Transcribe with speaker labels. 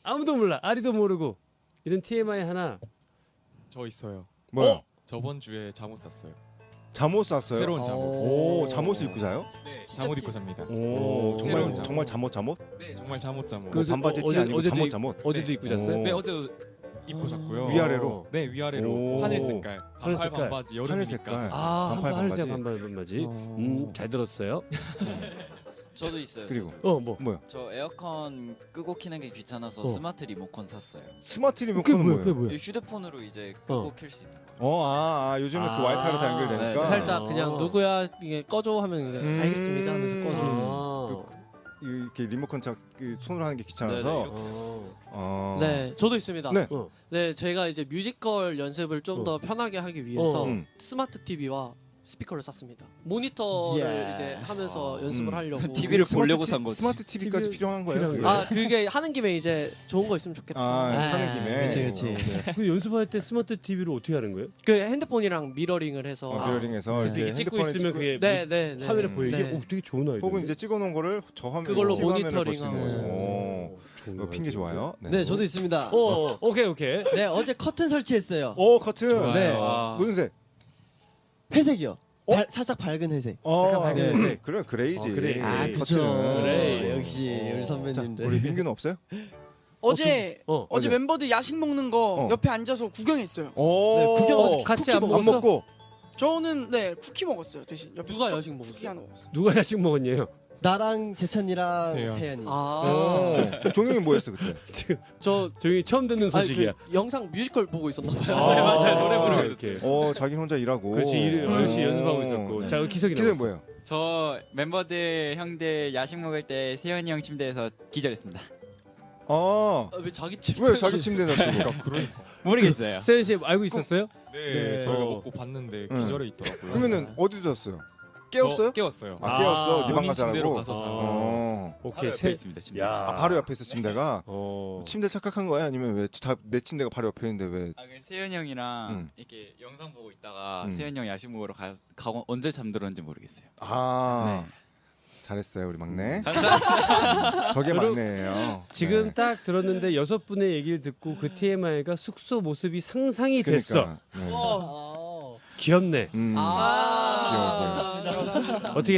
Speaker 1: 아무도 몰라. 아리도 모르고. 이런 TMI 하나.
Speaker 2: 저 있어요.
Speaker 3: 뭐요?
Speaker 2: 저번 주에 잠옷 샀어요.
Speaker 3: 잠옷 샀어요?
Speaker 2: 새로운 잠옷.
Speaker 3: 오, 잠옷을 입고 자요?
Speaker 2: 네, 잠옷 입고 잡니다.
Speaker 3: 오,
Speaker 2: 새로운
Speaker 3: 정말
Speaker 2: 잠옷.
Speaker 3: 잠옷?
Speaker 2: 네, 정말 잠옷.
Speaker 3: 뭐
Speaker 1: 그래서
Speaker 3: 반바지 티
Speaker 1: 어제-
Speaker 3: 아니고
Speaker 1: 어제도
Speaker 3: 잠옷.
Speaker 1: 어제도
Speaker 2: 네.
Speaker 1: 입고 잤어요?
Speaker 3: 오.
Speaker 2: 네, 어제도 입고 잤고요.
Speaker 3: 위아래로?
Speaker 2: 네, 위아래로.
Speaker 3: 오.
Speaker 2: 하늘 색깔.
Speaker 1: 하늘
Speaker 2: 반팔
Speaker 1: 색깔.
Speaker 2: 반바지
Speaker 3: 하늘
Speaker 2: 여름이니까
Speaker 3: 색깔.
Speaker 2: 샀어요.
Speaker 1: 아,
Speaker 3: 반팔
Speaker 1: 하늘색
Speaker 3: 반바지.
Speaker 1: 반바지.
Speaker 3: 어.
Speaker 1: 잘 들었어요.
Speaker 4: 저도 있어요.
Speaker 3: 그리고
Speaker 1: 뭐?
Speaker 3: 뭐요?
Speaker 4: 저 에어컨 끄고 키는 게 귀찮아서 스마트 리모컨 샀어요.
Speaker 3: 스마트 리모컨은 뭐예요?
Speaker 1: 뭐야?
Speaker 4: 이 휴대폰으로 이제 끄고 킬 수 있는 거예요.
Speaker 3: 요즘은
Speaker 1: 아.
Speaker 3: 그 와이파이로 다 연결되니까.
Speaker 4: 네.
Speaker 5: 살짝
Speaker 1: 아.
Speaker 5: 그냥 누구야 이게 꺼줘 하면 이제 알겠습니다 하면서 꺼줘.
Speaker 3: 이렇게 리모컨 그 손으로 하는 게
Speaker 4: 네,
Speaker 3: 귀찮아서.
Speaker 1: 어.
Speaker 5: 네, 저도 있습니다.
Speaker 3: 네.
Speaker 1: 어.
Speaker 5: 네, 제가 이제 뮤지컬 연습을 좀 더 편하게 하기 위해서
Speaker 3: 음.
Speaker 5: 스마트 TV와 스피커를 샀습니다. 모니터를
Speaker 4: 예.
Speaker 5: 이제 하면서 연습을 하려고.
Speaker 4: TV를 보려고
Speaker 3: 스마트
Speaker 4: 산 거지.
Speaker 3: 스마트 TV까지
Speaker 1: TV
Speaker 3: 필요한 거예요?
Speaker 1: 필요한
Speaker 3: 그게?
Speaker 1: 거예요.
Speaker 5: 아, 그게 하는 김에 이제 좋은 거 있으면 좋겠다.
Speaker 3: 사는 김에.
Speaker 4: 그치.
Speaker 1: 그 연습할 때 스마트 TV로 어떻게 하는 거예요?
Speaker 5: 그 핸드폰이랑 미러링을 해서.
Speaker 3: 미러링해서
Speaker 1: 이렇게
Speaker 3: 이렇게
Speaker 1: 찍고
Speaker 3: 핸드폰에
Speaker 1: 있으면
Speaker 3: 찍고
Speaker 1: 그게
Speaker 5: 네, 네, 네.
Speaker 1: 화면에 보이게.
Speaker 5: 네.
Speaker 1: 오, 되게 좋은 아이디어.
Speaker 3: 혹은 이제 찍어놓은 거를 저 화면에
Speaker 5: 그걸로
Speaker 3: TV 화면을 볼수
Speaker 5: 모니터링하고.
Speaker 3: 있는 거죠. 오. 핑계 좋아요.
Speaker 6: 네, 저도 있습니다.
Speaker 1: 오케이.
Speaker 6: 네, 어제 커튼 설치했어요.
Speaker 3: 오 커튼.
Speaker 2: 좋아요.
Speaker 6: 네.
Speaker 2: 와.
Speaker 3: 무슨 색?
Speaker 6: 회색이요. 살짝 밝은 회색.
Speaker 1: 잠깐 밝은
Speaker 3: 네.
Speaker 1: 회색.
Speaker 3: 그래 그레이지.
Speaker 1: 그레이.
Speaker 6: 아, 그쵸.
Speaker 3: 커튼.
Speaker 1: 그래.
Speaker 6: 역시 우리
Speaker 3: 자,
Speaker 6: 선배님들.
Speaker 3: 우리 민규는 없어요?
Speaker 7: 어제
Speaker 1: 어제
Speaker 7: 어제 멤버들 야식 먹는 거 옆에 앉아서 구경했어요.
Speaker 3: 오.
Speaker 6: 네, 구경
Speaker 1: 같이
Speaker 6: 쿠키
Speaker 1: 안
Speaker 3: 안 먹고.
Speaker 7: 저는 네 쿠키 먹었어요 대신. 옆에
Speaker 5: 누가 야식 먹었어요?
Speaker 7: 쿠키 하나 먹었어요.
Speaker 1: 누가 야식 먹었냐요?
Speaker 6: 나랑 재찬이랑
Speaker 2: 세연.
Speaker 6: 세연이.
Speaker 5: 아,
Speaker 3: 종영이 뭐였어 그때?
Speaker 1: 지금
Speaker 5: 저
Speaker 1: 저희 처음 듣는
Speaker 5: 아니,
Speaker 1: 소식이야.
Speaker 5: 그 영상 뮤지컬 보고 있었나 봐요.
Speaker 1: 네,
Speaker 2: 맞아요. 노래 부르고
Speaker 1: 이렇게.
Speaker 3: 자기 혼자 일하고.
Speaker 1: 그렇지. 열심히 연습하고 있었고.
Speaker 3: 네.
Speaker 1: 자, 기석이
Speaker 3: 기생
Speaker 1: 나왔어.
Speaker 3: 뭐예요?
Speaker 8: 저 멤버들 형들 야식 먹을 때 세현이 형 침대에서 기절했습니다.
Speaker 3: 아,
Speaker 5: 왜 자기 집?
Speaker 3: 왜 자기 침대에 놨어?
Speaker 8: 모르겠어요.
Speaker 1: 세현 씨 알고 있었어요?
Speaker 2: 네,
Speaker 1: 네.
Speaker 2: 저희가
Speaker 1: 어.
Speaker 2: 먹고 봤는데
Speaker 3: 응.
Speaker 2: 기절해 있더라고요.
Speaker 3: 그러면은 어디서 잤어요? 깨웠어요?
Speaker 2: 깨웠어요.
Speaker 3: 아, 깨웠어. 네
Speaker 2: 본인
Speaker 3: 방 가서
Speaker 2: 침대로
Speaker 3: 자라고.
Speaker 2: 가서 자고.
Speaker 1: 오케이.
Speaker 8: 바로 옆에 있습니다. 침대.
Speaker 1: 야.
Speaker 3: 바로 옆에 있어 침대가.
Speaker 1: 어.
Speaker 3: 침대 착각한 거야? 아니면 왜 내 침대가 바로 옆에 있는데 왜?
Speaker 8: 그 세현이 형이랑
Speaker 3: 응.
Speaker 8: 이렇게 영상 보고 있다가
Speaker 3: 응.
Speaker 8: 세현이 형 야식 먹으러 가고 언제 잠들었는지 모르겠어요.
Speaker 3: 아,
Speaker 8: 네.
Speaker 3: 잘했어요 우리 막내.
Speaker 8: 감사합니다.
Speaker 3: 저게
Speaker 1: 그리고
Speaker 3: 막내예요.
Speaker 1: 지금
Speaker 3: 네.
Speaker 1: 딱 들었는데 6분의 얘기를 듣고 그 TMI가 숙소 모습이 상상이 됐어.
Speaker 3: 그러니까. 네.
Speaker 6: 어.
Speaker 1: 귀엽네.
Speaker 3: 귀여워.
Speaker 6: 감사합니다.
Speaker 1: 어떻게